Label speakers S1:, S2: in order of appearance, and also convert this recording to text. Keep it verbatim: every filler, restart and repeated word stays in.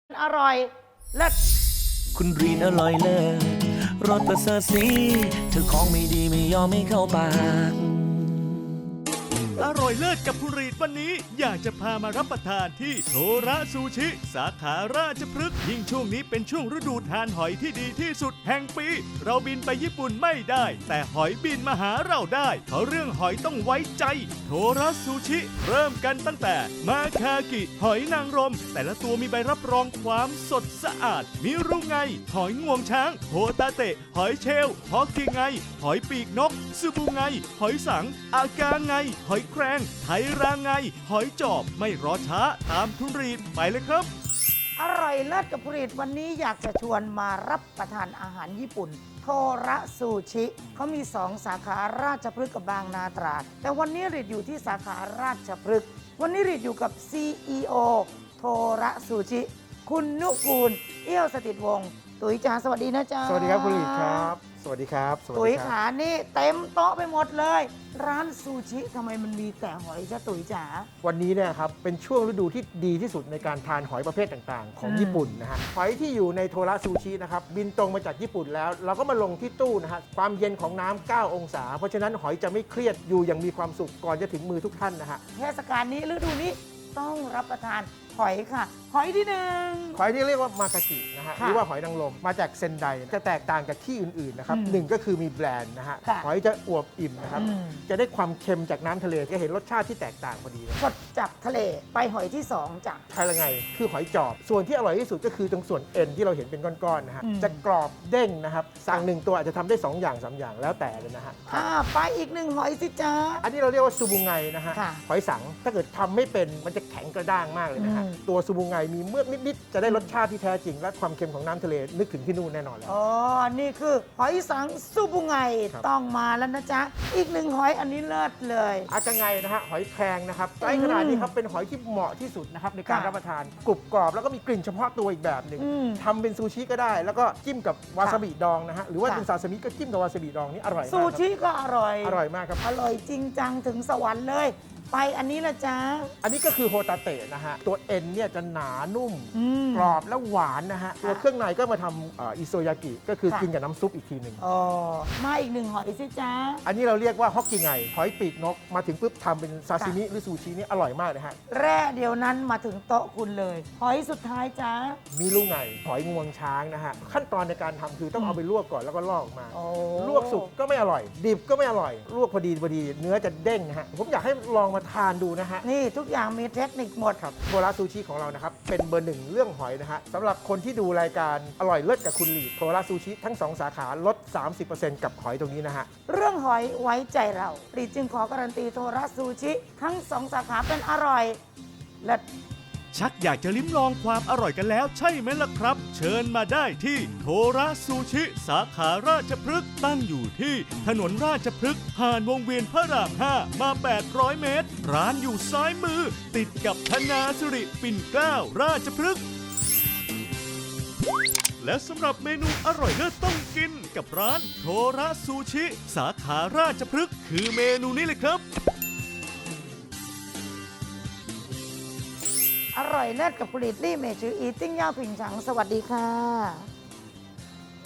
S1: อร่อยเลิศ
S2: คุณรีนอร่อยเลิศรสประเสริฐสีเธอของไม่ดีไม่ยอมไม่เข้าปาก
S3: อร่อยเลิศกับคุณรีดวันนี้อยากจะพามารับประทานที่โทระซูชิ สาขาราชพฤกษ์ยิ่งช่วงนี้เป็นช่วงฤดูทานหอยที่ดีที่สุดแห่งปี เราบินไปญี่ปุ่นไม่ได้ แต่หอยบินมาหาเราได้เพราะเรื่องหอยต้องไว้ใจ โทระซูชิ เริ่มกันตั้งแต่มาคากิหอยนางรมแต่ละตัวมีใบรับรองความสดสะอาดมิรุไงหอยงวงช้างโฮตาเตะหอยเชลล์ฮอกกิไงหอยปีกนกซูบูไงหอยสังอากาไงหอยแครงไทราไงหอยจอบไม่รอช้าตามทุนรีดไปเลยครับ
S1: อร่อยเลิศกับผลิตวันนี้อยากจะชวนมารับประทานอาหารญี่ปุ่น โทระซูชิเขามีสองสาขาราชพฤกษ์กับบางนาตราดแต่วันนี้รีดอยู่ที่สาขาราชพฤกษ์วันนี้รีดอยู่กับ ซี อี โอ โทระซูชิคุณนุกูลเอี้ยวสถิตวงศ์ตุ๋ยจ๋าสวัสดีนะจ๊ะ
S4: สวัสดีครับคุณหลีครับ สวัสดีครับสวัส
S1: ตุ๋ย
S4: ดีค
S1: ขา
S4: รับ
S1: นี่เต็มโต๊ะไปหมดเลย ร้านซูชิทำไมมันมีแต่หอยจ้ะตุ๋ยจ๋า
S4: วันนี้เนี่ยครับเป็นช่วงฤดูที่ดีที่สุดในการทานหอยประเภทต่างๆ ของ
S1: อืม
S4: ญี่ปุ่นนะฮะหอยที่อยู่ในโทระซูชินะครับบินตรงมาจากญี่ปุ่นแล้ว เราก็มาลงที่ตู้นะฮะความเย็นของน้ำ เก้า องศา เพราะฉะนั้นหอยจะไม่เครียดอยู่อย่างมีความสุขก่อนจะถึงมือทุกท่านนะฮะ
S1: เทศกาลนี้ฤดูนี้ต้องรับประทานหอยค่ะ หอยที่หนึ่ง
S4: หอยที่เรียกว่ามาคากินะฮะ
S1: ค่ะ
S4: หรือว่าหอยนางรมมาจากเซนไดจะแตกต่างจากที่อื่นๆนะครับ
S1: อืม
S4: หนึ่งก็คือมีแบรนด์นะฮะ
S1: ค่ะ
S4: หอยจะอวบอิ่มนะครับ
S1: อืม
S4: จะได้ความเค็มจากน้ำทะเลจะเห็นรสชาติที่แตกต่างพอดีเลย
S1: สดจากทะเลไปหอยที่สองจ้ะ
S4: ไทยละไงคือหอยจอบ ส่วนที่อร่อยที่สุดก็คือตรงส่วนเอ็นที่เราเห็นเป็นก้อนๆนะฮะ
S1: อืม
S4: จะกรอบเด้งนะครับ สั่งหนึ่งตัวอาจจะทำได้สองอย่างสามอย่างแล้วแต่เลยนะฮะ
S1: อ่าไปอีกหนึ่งหอยสิจ้า
S4: อันนี้เราเรียกว่าซูบุงไงนะฮะ
S1: ค่ะ
S4: หอยสังถ้าเกิดทำไม่เป็นมันจะแข็งกระด้างมากเลยนะฮะ
S1: อืม
S4: ตัวซูบุงไงมีเมือกนิดๆจะได้รสชาติที่แท้จริง และความเค็มของน้ำทะเลนึกถึงที่นู่นแน่นอนแล้ว
S1: อ๋อ นี่คือหอยสังซูบุไง
S4: ครับ
S1: ต้องมาแล้วนะจ๊ะ อีกหนึ่งหอยอันนี้เลิศเลย
S4: อากาไงนะฮะหอยแครงนะครับไซส์ขนาดนี้ครับเป็นหอยที่เหมาะที่สุดนะครับในการ
S1: ค่ะ
S4: รับประทานกรุบกรอบแล้วก็มีกลิ่นเฉพาะตัวอีกแบบหนึ่ง
S1: อืม
S4: ทำเป็นซูชิก็ได้ แล้วก็จิ้มกับวาซาบิดองนะฮะหรือว่า
S1: ค่ะ
S4: เป็นซาซิมิก็จิ้มกับวาซาบิดองนี่อร่อยมาก
S1: ซู
S4: ครับ
S1: ชิก็อร่อย
S4: อร่อยมากครับ
S1: อร่อยจริงจังถึงสวรรค์เลย ไปอันนี้ละจ๊ะ
S4: อันนี้ก็คือโฮตาเตะนะฮะ ตัวเอ็นเนี่ยจะหนานุ่ม
S1: อืม
S4: กรอบและหวานนะฮะ ตัวเครื่องในก็มาทำเอ่ออิโซยากิ ก็คือ
S1: ค่ะ
S4: กินกับน้ำซุปอีกทีหนึ่ง
S1: อ๋อ มาอีกหนึ่งหอยสิจ๊ะ
S4: อันนี้เราเรียกว่าฮอกกิไง หอยปีกนก มาถึงปุ๊บทำเป็นซาซิมิหรือซูชินี่อร่อยมากเลยฮะ
S1: แร่เดียวนั้นมาถึงโต๊ะคุณเลย หอยสุดท้ายจ้า
S4: มีลูกไง หอยงวงช้างนะฮะ ขั้นตอนในการทำคือต้องเอาไปลวกก่อนแล้วก็ลอกออกมา
S1: โอ้
S4: ลวกสุกก็ไม่อร่อย ดิบก็ไม่อร่อย ลวกพอดีพอดี เนื้อจะเด้งนะฮะ ผมอยากให้ลองมาทานดูนะฮะ
S1: นี่ทุกอย่างมีเทคนิคหมด
S4: ครับโทระซูชิของเรานะครับ เป็นเบอร์หนึ่งเรื่องหอยนะฮะสำหรับคนที่ดูรายการอร่อยเลิศกับคุณหลีดโทระซูชิทั้งสองสาขาลด สามสิบเปอร์เซ็นต์ กับหอยตรงนี้นะฮะ
S1: เรื่องหอยไว้ใจเราปรีจึงขอการันตีโทระซูชิ ทั้งสองสาขาเป็นอร่อยและ
S3: ชักอยากจะลิ้มลองความอร่อยกันแล้วใช่ไหมล่ะครับ เชิญมาได้ที่โทระซูชิ สาขาราชพฤกษ์ตั้งอยู่ที่ถนนราชพฤกษ์ผ่านวงเวียนพระรามห้ามาแปดร้อยเมตร ร้านอยู่ซ้ายมือ ติดกับธนาสิริปิ่นเกล้าราชพฤกษ์และสำหรับเมนูอร่อยเลิศต้องกินกับร้านโทระซูชิ สาขาราชพฤกษ์คือเมนูนี้เลยครับ
S1: อร่อยเลิศกับผลิตรี่เมจืออีติ้งย่าผิงฉังสวัสดีค่ะ